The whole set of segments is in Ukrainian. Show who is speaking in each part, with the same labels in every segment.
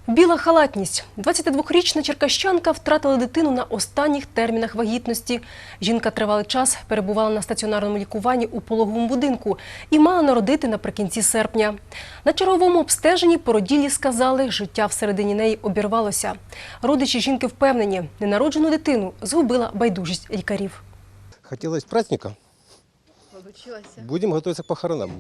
Speaker 1: Біла халатність. 22-річна черкащанка втратила дитину на останніх термінах вагітності. Жінка тривалий час перебувала на стаціонарному лікуванні у пологовому будинку і мала народити наприкінці серпня. На черговому обстеженні породіллі сказали, життя всередині неї обірвалося. Родичі жінки впевнені, ненароджену дитину згубила байдужість лікарів.
Speaker 2: Хотілося праздника. Будемо готуватися к похоронам.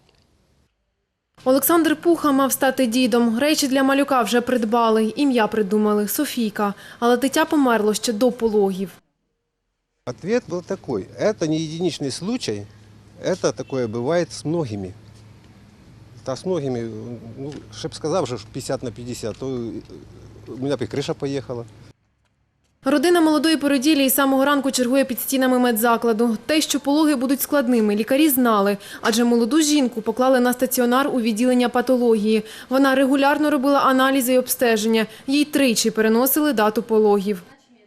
Speaker 3: Олександр Пуха мав стати дідом. Речі для малюка вже придбали. Ім'я придумали – Софійка. Але дитя померло ще до пологів.
Speaker 2: Ответ был такой. Это не единичный случай. Это такое бывает с многими. Та с многими, ну, щоб сказав, що 50 на 50, то у мене б і криша поїхала.
Speaker 3: Родина молодої породіллі із самого ранку чергує під стінами медзакладу. Те, що пологи будуть складними, лікарі знали, адже молоду жінку поклали на стаціонар у відділення патології. Вона регулярно робила аналізи і обстеження. Їй тричі переносили дату пологів.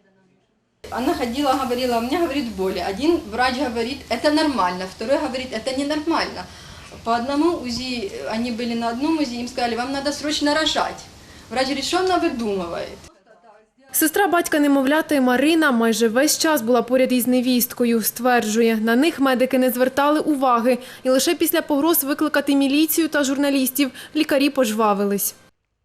Speaker 4: Она ходила, говорила, у меня, говорит, боли. Один врач говорит, это нормально, второй говорит, это ненормально. По одному УЗИ, они были на одном УЗИ, им сказали, вам надо срочно рожать. Врач говорит, что она выдумывает?
Speaker 3: Сестра батька немовляти Марина майже весь час була поряд із невісткою. Стверджує, на них медики не звертали уваги. І лише після погроз викликати міліцію та журналістів лікарі пожвавились.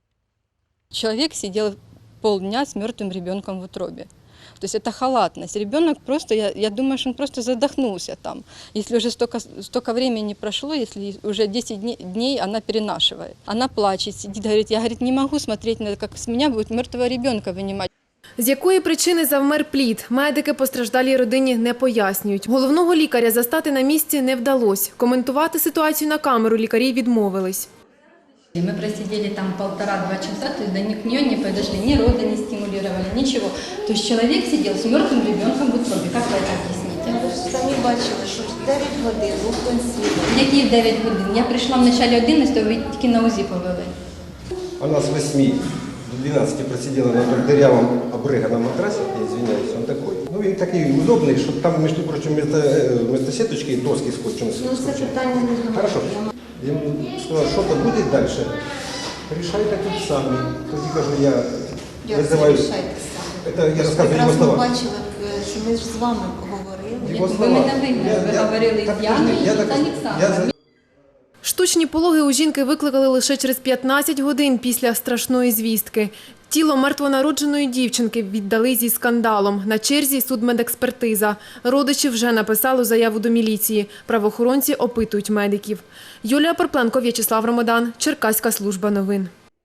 Speaker 4: Человек сидел полдня с мертвым ребенком в утробе. То есть это халатность. Ребенок просто, я думаю, что он просто задохнулся там. Если уже столько времени прошло, если уже 10 дней она перенашивает. Она плачет, сидит, говорит, я, говорит, не могу смотреть на это, как с меня будет мертвого ребенка вынимать.
Speaker 3: З якої причини завмер плід, медики постраждалій родині не пояснюють. Головного лікаря застати на місці не вдалося. Коментувати ситуацію на камеру лікарі відмовились.
Speaker 4: Мы просидели там 1,5–2 часа, то есть до нее не подошли, ни роды не стимулировали, ничего. То есть человек сидел с мертвым ребенком в утробе. Как вы это объясните?
Speaker 5: Ви ж самі бачили, що 9 годин був консиліум.
Speaker 4: Які 9 годин? Я прийшла в начале 11, ви тільки на УЗИ повели.
Speaker 2: Она с 8 до 12 просидела на том дырявом обрыганном матрасе, я извиняюсь, он такой. Ну, він такий удобний, щоб там, між прочим, вместо сеточки доски скотчем.
Speaker 5: Ну, це питання не до
Speaker 2: Хорошо. Я ему сказал, что-то будет дальше. Решайте тут самі. Тоді кажу, я визиваю. Это я розказую його слова.
Speaker 5: Ми бачили, що ми ж з вами говорили.
Speaker 2: Його
Speaker 4: Ви
Speaker 2: слова.
Speaker 4: мене говорили з Яною і з Олександром.
Speaker 3: Штучні пологи у жінки викликали лише через 15 годин після страшної звістки. Тіло мертвонародженої дівчинки віддали зі скандалом. На черзі судмедекспертиза. Родичі вже написали заяву до міліції. Правоохоронці опитують медиків. Юлія Порпленко, В'ячеслав Ромодан, Черкаська служба новин.